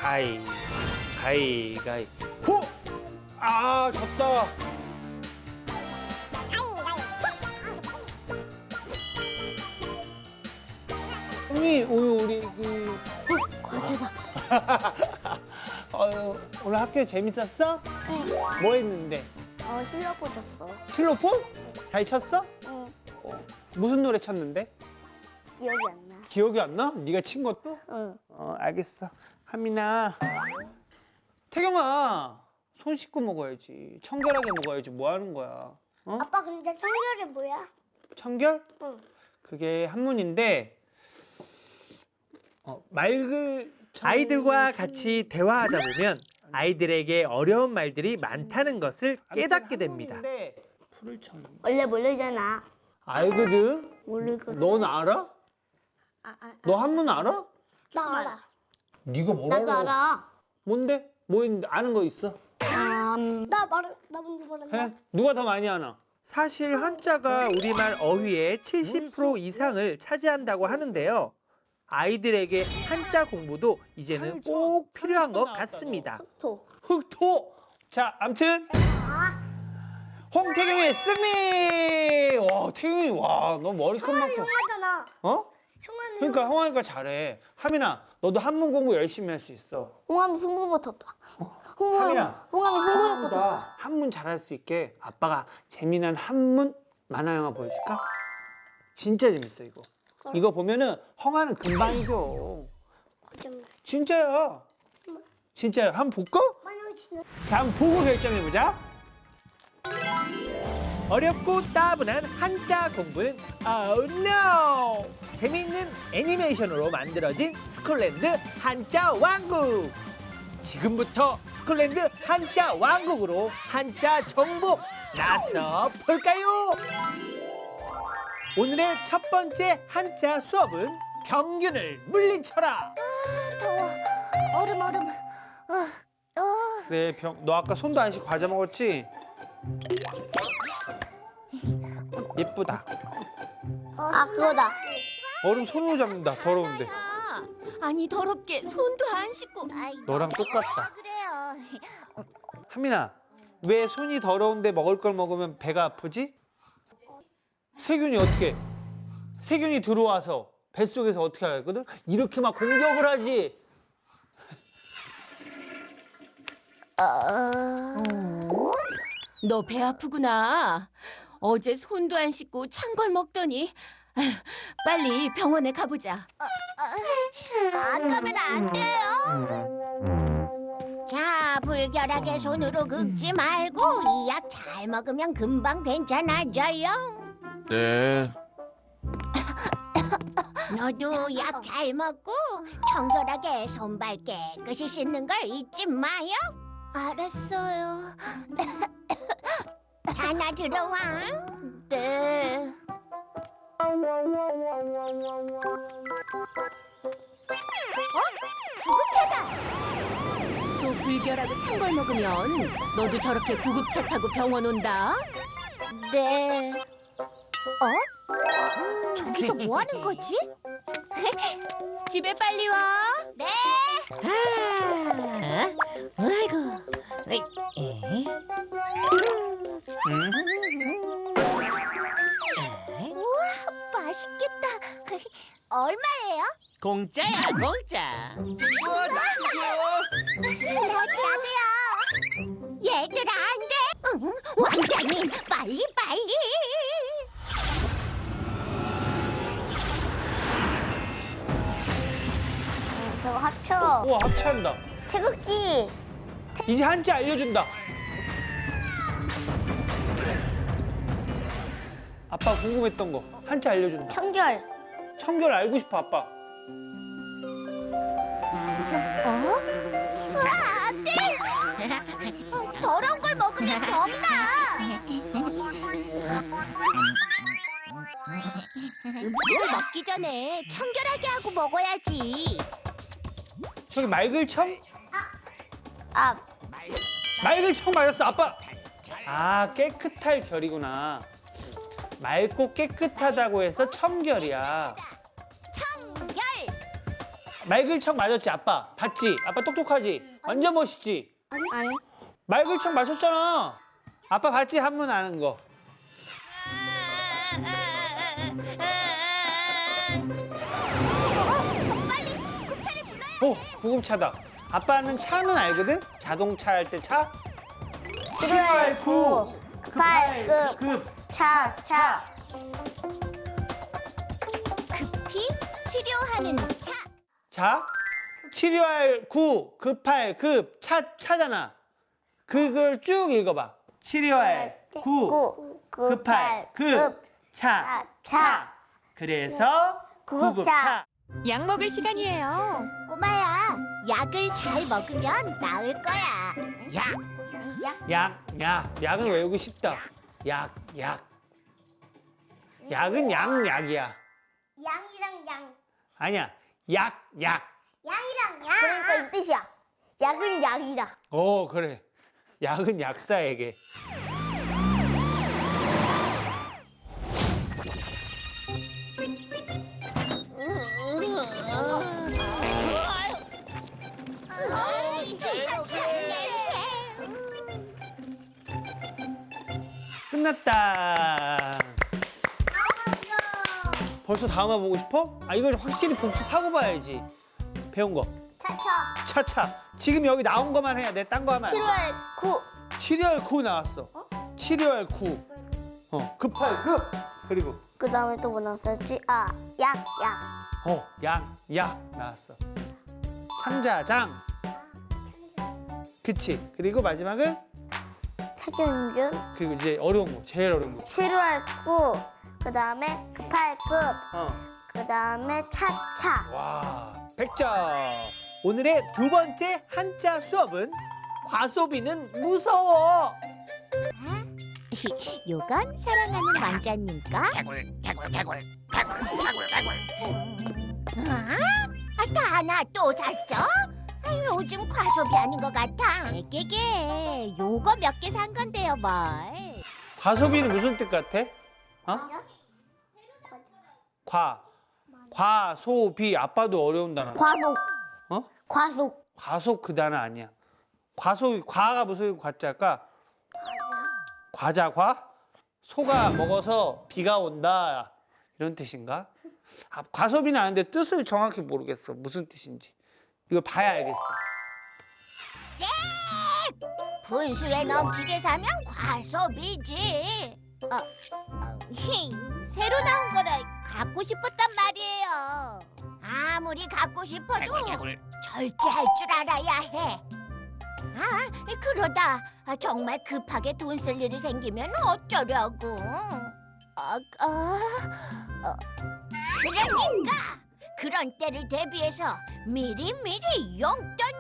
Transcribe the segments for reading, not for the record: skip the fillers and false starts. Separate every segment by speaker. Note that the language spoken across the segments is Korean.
Speaker 1: 가위. 호! 아, 졌다. 형님, 오늘 우리
Speaker 2: 과제다.
Speaker 1: 오늘 학교 재밌었어?
Speaker 2: 네.
Speaker 1: 뭐 했는데?
Speaker 2: 실력 꽂았어.
Speaker 1: 실로폰? 잘 쳤어?
Speaker 2: 응.
Speaker 1: 무슨 노래 쳤는데?
Speaker 2: 기억이 안 나.
Speaker 1: 기억이 안 나? 네가 친 것도?
Speaker 2: 응.
Speaker 1: 알겠어. 하민아. 태경아, 손 씻고 먹어야지. 청결하게 먹어야지. 뭐 하는 거야? 어?
Speaker 2: 아빠 근데 청결이 뭐야?
Speaker 1: 청결?
Speaker 2: 응.
Speaker 1: 그게 한문인데 아이들과 같이 대화하다 보면 아이들에게 어려운 말들이 많다는 것을 깨닫게 됩니다. 풀을 쳐.
Speaker 2: 원래 모르잖아.
Speaker 1: 알거든?
Speaker 2: 모르거든.
Speaker 1: 넌 알아? 너 한문 알아?
Speaker 2: 나 알아.
Speaker 1: 네가 뭘 알아?
Speaker 2: 나도 알아.
Speaker 1: 뭔데? 뭐 있는데 아는 거 있어?
Speaker 2: 나 먼저 말한다.
Speaker 1: 해? 누가 더 많이 아나? 사실 한자가 우리말 어휘의 70% 이상을 차지한다고 하는데요. 아이들에게 한자 공부도 이제는 꼭 필요한 것 같습니다. 흑토. 자, 암튼 홍태경의 승리. 와, 태경이 너 머리 큰 만큼.
Speaker 2: 형아잖아.
Speaker 1: 어?
Speaker 2: 형아는
Speaker 1: 그러니까 형아니까 잘해. 하민아, 너도 한문 공부 열심히 할 수 있어.
Speaker 2: 홍암이 승부 붙었다.
Speaker 1: 하민아,
Speaker 2: 홍암이 승부
Speaker 1: 한문보다
Speaker 2: 붙었다.
Speaker 1: 한문 잘할 수 있게 아빠가 재미난 한문 만화 영화 보여줄까? 진짜 재밌어 이거. 이거 보면은 헝아는 금방 이겨. 진짜야. 진짜야. 한번 볼까? 자, 한번 보고 결정해보자. 어렵고 따분한 한자 공부는 Oh no! 재미있는 애니메이션으로 만들어진 스콜랜드 한자 왕국. 지금부터 스콜랜드 한자 왕국으로 한자 정복 나서 볼까요? 오늘의 첫 번째 한자 수업은 병균을 물리쳐라.
Speaker 2: 더워. 얼음.
Speaker 1: 그래, 너 아까 손도 안 씻고 과자 먹었지? 예쁘다.
Speaker 2: 그거다.
Speaker 1: 얼음 손으로 잡는다. 더러운데.
Speaker 3: 아니 더럽게 손도 안 씻고.
Speaker 1: 너랑 똑같다.
Speaker 2: 그래요.
Speaker 1: 하민아, 왜 손이 더러운데 먹을 걸 먹으면 배가 아프지? 세균이 어떻게? 세균이 들어와서 뱃속에서 어떻게 하거든? 이렇게 막 공격을 하지.
Speaker 3: 너 배 아프구나. 어제 손도 안 씻고 찬 걸 먹더니. 아휴, 빨리 병원에 가보자.
Speaker 2: 가면 안 돼요.
Speaker 4: 자, 불결하게 손으로 긁지 말고 이 약 잘 먹으면 금방 괜찮아져요.
Speaker 5: 네.
Speaker 4: 너도 약 잘 먹고 청결하게 손발 깨끗이 씻는 걸 잊지 마요.
Speaker 2: 알았어요.
Speaker 4: 하나 들어와.
Speaker 2: 네.
Speaker 3: 또 불결하고 찬 걸 먹으면 너도 저렇게 구급차 타고 병원 온다.
Speaker 2: 네.
Speaker 4: 저기서 뭐 하는 거지?
Speaker 3: 집에 빨리 와.
Speaker 4: 네.
Speaker 3: 아이고.
Speaker 4: 맛있겠다. 얼마예요?
Speaker 5: 공짜야, 공짜.
Speaker 4: 나도요. 얘들아, 안 돼. 응, 왕자님, 빨리.
Speaker 2: 저거 합쳐.
Speaker 1: 우와, 합체한다.
Speaker 2: 태극기.
Speaker 1: 이제 한자 알려준다. 아빠 궁금했던 거 한자 알려준다.
Speaker 2: 청결.
Speaker 1: 청결 알고 싶어, 아빠.
Speaker 4: 안 돼. 더러운 걸 먹으면 겁나. 음식을 먹기 전에 청결하게 하고 먹어야지.
Speaker 1: 저기 말글청?
Speaker 2: 아,
Speaker 1: 말글청 맞았어, 아빠. 아, 깨끗할 결이구나. 맑고 깨끗하다고 해서 청결이야.
Speaker 4: 청결.
Speaker 1: 말글청 맞았지 아빠? 봤지? 아빠 똑똑하지? 완전 멋있지?
Speaker 2: 아니.
Speaker 1: 말글청 마셨잖아. 아빠 봤지? 한문 아는 거. 구급차다. 아빠는 차는 알거든? 자동차 할 때 차?
Speaker 2: 7월 9, 급할 급, 차.
Speaker 4: 급히 치료하는 차.
Speaker 1: 자, 치료할 구, 급할 급, 차잖아. 그걸 쭉 읽어봐. 치료할 구, 급할 급, 차. 그래서 구급차.
Speaker 3: 약 먹을 시간이에요.
Speaker 4: 꼬마야, 약을 잘 먹으면 나을 거야.
Speaker 1: 약은 외우기 쉽다. 약은 약이야.
Speaker 2: 양이랑 양.
Speaker 1: 아니야, 약.
Speaker 2: 양이랑 양. 그러니까 이 뜻이야. 약은 약이다.
Speaker 1: 그래. 약은 약사에게. 끝났다. 벌써 다음화 보고 싶어? 이걸 확실히 복습하고 봐야지. 배운 거. 차차. 지금 여기 나온 것만 해야 돼. 딴 거 하면 안 돼.
Speaker 2: 7월 9.
Speaker 1: 7월 9 나왔어. 7월 9. 급할 급. 그리고
Speaker 2: 그 다음에 또 뭐 나왔었지? 약.
Speaker 1: 약 나왔어. 창자장. 그치. 그리고 마지막은
Speaker 2: 세균균.
Speaker 1: 그리고 이제 어려운 거. 제일 어려운 거.
Speaker 2: 7월 9. 그 다음에 급할 급.
Speaker 1: 어.
Speaker 2: 그 다음에 차.
Speaker 1: 와, 100점. 오늘의 두 번째 한자 수업은 과소비는 무서워.
Speaker 4: 요건 사랑하는 왕자님과 다나 또 샀어? 요즘 과소비하는 것 같아. 깨게 요거 몇 개 산 건데요 뭘.
Speaker 1: 과소비는 무슨 뜻 같아? 과소비. 아빠도 어려운 단어.
Speaker 2: 과속. 과속.
Speaker 1: 과속 그 단어 아니야. 과가 무슨 과자일까? 과자. 소가 먹어서 비가 온다. 이런 뜻인가? 과소비는 아는데 뜻을 정확히 모르겠어. 무슨 뜻인지. 이거 봐야 알겠어.
Speaker 4: 분수에 넘치게 사면 과소비지. 새로 나온 거라 갖고 싶었단 말이에요. 아무리 갖고 싶어도 절제할 줄 알아야 해. 그러다 정말 급하게 돈 쓸 일이 생기면 어쩌려고. 그러니까 그런 때를 대비해서 미리미리 용돈을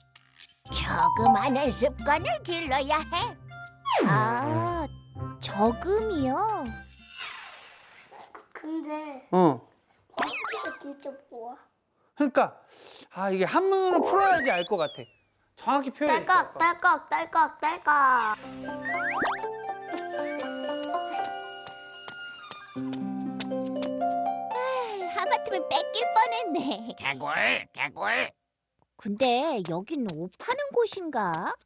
Speaker 4: 저금하는 습관을 길러야 해. 저금이요?
Speaker 2: 근데 과소비가 진짜 뭐야?
Speaker 1: 그러니까 이게 한문으로 풀어야지 알 것 같아. 정확히 표현해.
Speaker 2: 딸깍.
Speaker 4: 하마터면 뺏길 뻔했네.
Speaker 5: 개굴.
Speaker 4: 근데 여긴 옷 파는 곳인가?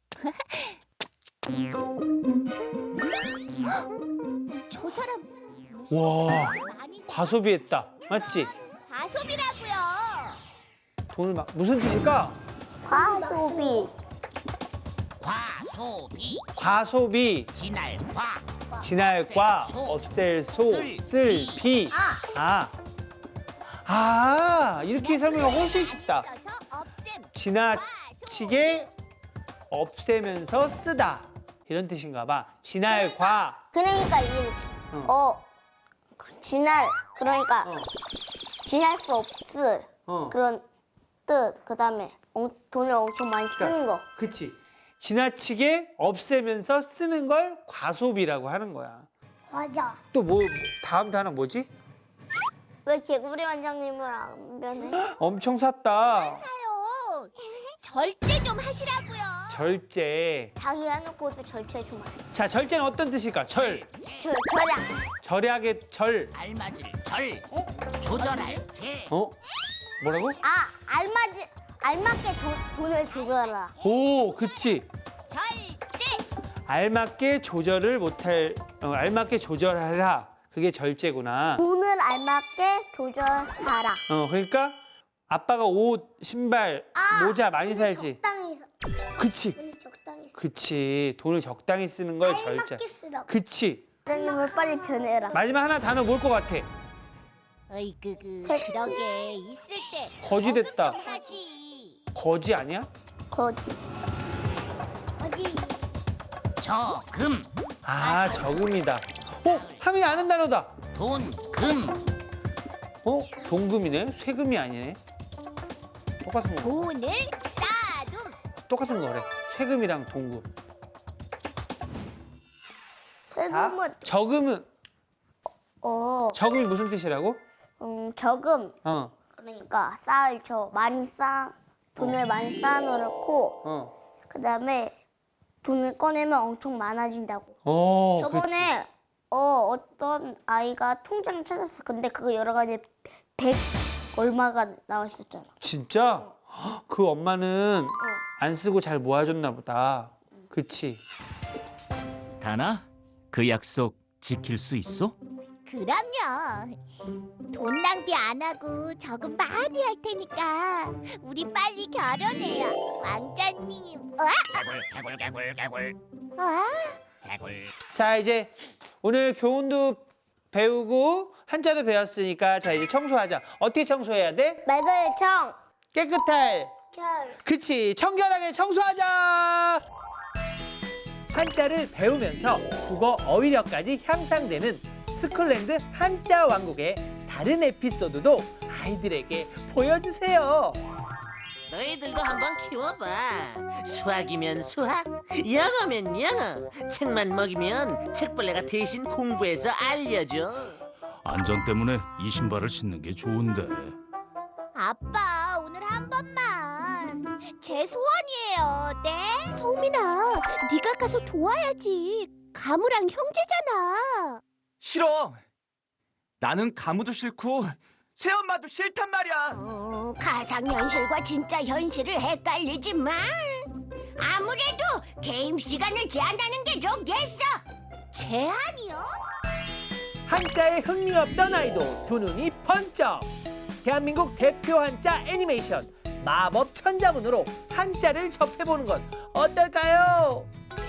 Speaker 4: 저 사람
Speaker 1: 와,
Speaker 4: 많이
Speaker 1: 과소비했다. 맞지?
Speaker 4: 과소비라고요.
Speaker 1: 돈을 무슨 뜻일까? 과소비. 지날과 없앨 쓸 비. 이렇게 설명하면 훨씬 쉽다.
Speaker 4: 써서 없앰.
Speaker 1: 지나치게 없애면서 쓰다. 이런 뜻인가 봐. 지날과.
Speaker 2: 그러니까 이게 그러니까 지날 수 없을 그런 뜻. 그다음에 돈을 엄청 많이 쓰는 거.
Speaker 1: 그치. 지나치게 없애면서 쓰는 걸 과소비라고 하는 거야.
Speaker 2: 맞아.
Speaker 1: 또 다음 단어 뭐지?
Speaker 2: 왜 개구리 원장님을 안 변해?
Speaker 1: 엄청 샀다.
Speaker 4: 사요. 절제 좀 하시라고요.
Speaker 1: 절제.
Speaker 2: 자기 해놓고도 절제 좀 해.
Speaker 1: 자, 절제는 어떤 뜻일까? 절약.
Speaker 2: 절약.
Speaker 1: 절약의 절.
Speaker 5: 알맞을 절. 조절할 제.
Speaker 1: 뭐라고?
Speaker 2: 알맞게 돈을 조절하라.
Speaker 1: 오, 그치.
Speaker 4: 절제.
Speaker 1: 알맞게 알맞게 조절하라. 그게 절제구나.
Speaker 2: 돈을 알맞게 조절하라.
Speaker 1: 그러니까 아빠가 옷, 신발, 모자 많이 살지.
Speaker 2: 적당히
Speaker 1: 그치.
Speaker 2: 돈이 적당히
Speaker 1: 그치. 돈을 적당히 쓰는 걸 절제.
Speaker 2: 알맞게 쓰라고.
Speaker 1: 그치.
Speaker 2: 선생님을 빨리 변해라.
Speaker 1: 마지막 하나 단어 뭘 것 같아?
Speaker 4: 어이구 그러게 있을 때
Speaker 1: 거지 됐다.
Speaker 4: 저금 좀 하지.
Speaker 1: 거지 아니야?
Speaker 2: 거지.
Speaker 5: 저금,
Speaker 1: 아, 저금이다. 하민이 아는 단어다.
Speaker 5: 돈, 금.
Speaker 1: 동금이네. 세금이 아니네. 똑같은 거.
Speaker 4: 돈을 쌓아둠.
Speaker 1: 똑같은 거래. 세금이랑 동금.
Speaker 2: 세금은
Speaker 1: 저금은 저금이 무슨 뜻이라고?
Speaker 2: 저금.
Speaker 1: 어.
Speaker 2: 그러니까 돈을 많이 쌓아놓고 그다음에 돈을 꺼내면 엄청 많아진다고. 저번에 어떤 아이가 통장을 찾았어. 근데 그거 여러 가지 100 얼마가 나와 있었잖아.
Speaker 1: 진짜? 그 엄마는 안 쓰고 잘 모아줬나 보다. 그치?
Speaker 5: 다나, 그 약속 지킬 수 있어?
Speaker 4: 그럼요. 돈 낭비 안 하고 저금 많이 할 테니까 우리 빨리 결혼해요. 왕자님.
Speaker 5: 개굴.
Speaker 1: 자, 이제 오늘 교훈도 배우고 한자도 배웠으니까 자, 이제 청소하자. 어떻게 청소해야 돼?
Speaker 2: 매글청.
Speaker 1: 깨끗할.
Speaker 2: 결.
Speaker 1: 그치, 청결하게 청소하자. 한자를 배우면서 국어 어휘력까지 향상되는 스쿨랜드 한자 왕국의 다른 에피소드도 아이들에게 보여주세요.
Speaker 6: 너희들도 한번 키워봐. 수학이면 수학, 영어면 영어. 책만 먹이면 책벌레가 대신 공부해서 알려줘.
Speaker 7: 안전 때문에 이 신발을 신는 게 좋은데.
Speaker 4: 아빠 오늘 한 번만. 제 소원이에요. 네? 소민아, 네가 가서 도와야지. 가무랑 형제잖아.
Speaker 8: 싫어. 나는 가무도 싫고 새엄마도 싫단 말이야.
Speaker 4: 가상현실과 진짜 현실을 헷갈리지 마. 아무래도 게임 시간을 제한하는 게 좋겠어. 제한이요?
Speaker 1: 한자에 흥미 없던 아이도 두 눈이 번쩍. 대한민국 대표 한자 애니메이션 마법 천자문으로 한자를 접해보는 건 어떨까요?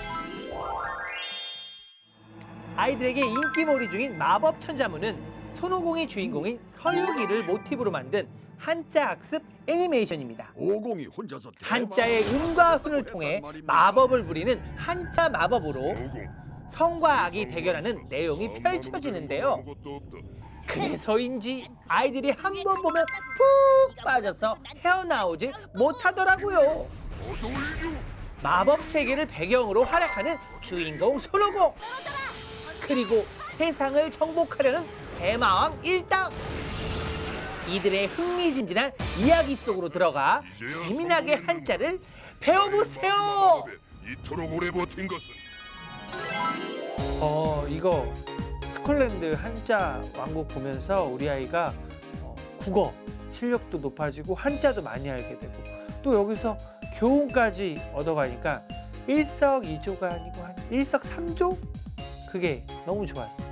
Speaker 1: 아이들에게 인기몰이 중인 마법 천자문은 손오공이 주인공인 서유기를 모티브로 만든 한자 학습 애니메이션입니다.
Speaker 9: 오공이 혼자서
Speaker 1: 한자의 음과 훈을 통해 마법을 부리는 한자 마법으로 성과 악이 대결하는 내용이 펼쳐지는데요. 그래서인지 아이들이 한 번 보면 푹 빠져서 헤어나오지 못하더라고요. 마법 세계를 배경으로 활약하는 주인공 손오공, 그리고 세상을 정복하려는 대마왕 일당. 이들의 흥미진진한 이야기 속으로 들어가 재미나게 한자를 배워보세요.
Speaker 9: 이토록 오래 버틴 것은
Speaker 1: 이거 스콜랜드 한자 왕국 보면서 우리 아이가 국어 실력도 높아지고 한자도 많이 알게 되고 또 여기서 교훈까지 얻어가니까 일석이조가 아니고 한 일석삼조? 그게 너무 좋았어.